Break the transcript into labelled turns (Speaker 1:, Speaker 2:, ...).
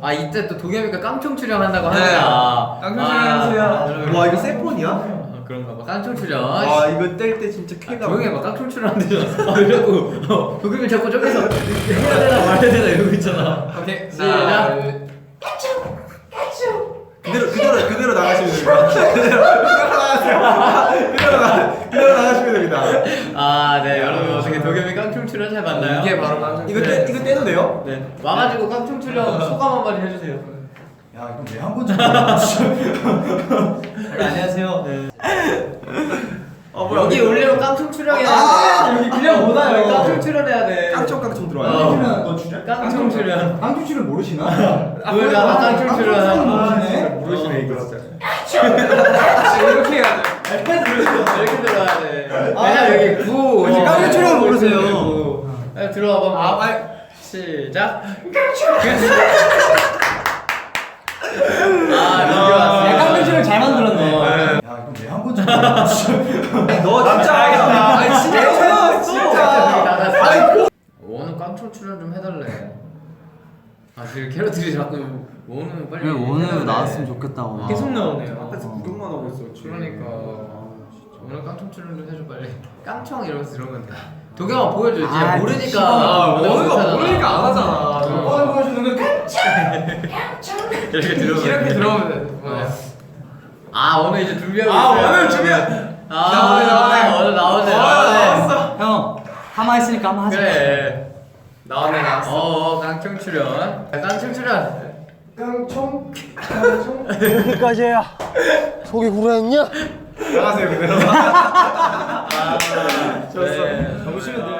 Speaker 1: 아 이때 또 도겸이가 깡총 출연한다고 하니까.
Speaker 2: 깡총 출연하세요.
Speaker 3: 와 이거 세폰이야?
Speaker 1: 그런가 봐. 깡총 출연.
Speaker 3: 와 이거 뗄 때 진짜 쾌감.
Speaker 1: 조용히 해봐. 깡총 출연한대잖아. 자꾸 도겸이 자꾸 저기서 해야 되나 말아야 되나 이러고 있잖아.
Speaker 2: 오케이.
Speaker 1: 시작.
Speaker 3: 그대로 나가시면 됩니다. 그대로 나가시면 됩니다.
Speaker 1: 아, 네, 여러분 어떻게 도겸이 깡총 출연 잘 봤나요?
Speaker 2: 이게 바로 깡총
Speaker 3: 이거
Speaker 2: 출연.
Speaker 3: 이거 떼도 돼요?
Speaker 1: 네. 와가지고 깡총 출연 소감 한마디 해주세요.
Speaker 4: 야 이건 왜 한 건지 모르겠어.
Speaker 3: 안녕하세요.
Speaker 1: 네.
Speaker 3: 뭐야,
Speaker 1: 여기
Speaker 3: 이거.
Speaker 1: 올리면 깡총 출연해야 돼.
Speaker 3: 여기 그냥 못 와요.
Speaker 1: 깡총 출연해야 돼.
Speaker 3: 깡총 들어와요.
Speaker 4: 깡총 너 출연?
Speaker 1: 깡총 출연.
Speaker 4: 깡총 출연 모르시나?
Speaker 1: 보여줘. 깡총 출연.
Speaker 4: 모르시네.
Speaker 3: 모르시네 이거 진짜.
Speaker 2: 이렇게 해야 돼.
Speaker 1: 이렇게 들어가야 돼. 왜냐면 여기 9.
Speaker 3: 깡총 출연 모르세요.
Speaker 1: 들어와봐. 시작. 민규 왔어.
Speaker 4: 깡총 출연 잘 만들었네.
Speaker 1: 어.
Speaker 4: 야 이건 왜 한 건지 모르겠어.
Speaker 3: 너 진짜 알겠다.
Speaker 2: 아니 진짜
Speaker 1: 진짜. 오늘 깡총 출연 좀 해달래. 그 캐럿들이 자꾸 오늘 빨리.
Speaker 5: 그래 오늘
Speaker 1: 해달래.
Speaker 5: 나왔으면 좋겠다고.
Speaker 2: 계속 나오네요.
Speaker 3: 아까서 구경만 하고 있어.
Speaker 1: 그러니까 오늘 깡총 출연 좀 해줘 빨리. 깡총 이러면서 들어오면 돼. 도겸아 보여줘. 이제
Speaker 5: 아,
Speaker 1: 모르니까.
Speaker 2: 모르니까 안 하잖아.
Speaker 4: 뻔 보여주는 거.
Speaker 1: 이렇게 들어오면
Speaker 2: 이렇게
Speaker 1: 돼.
Speaker 2: 들어오면 돼.
Speaker 1: 오늘 이제 준비하고
Speaker 2: 아,
Speaker 1: 있어요.
Speaker 2: 오늘 준비. 나오네.
Speaker 1: 오늘 나오네.
Speaker 2: 나왔어.
Speaker 5: 형 하마 했으니까 한번 하자.
Speaker 1: 그래.
Speaker 2: 나왔네 나왔어.
Speaker 1: 깡총 출연. 깡총 출연.
Speaker 2: 깡총.
Speaker 5: 여기까지 해야 속이 구라했냐?
Speaker 3: 나가세요 그대로.
Speaker 1: 좋았어.
Speaker 3: 너무 쉬운데?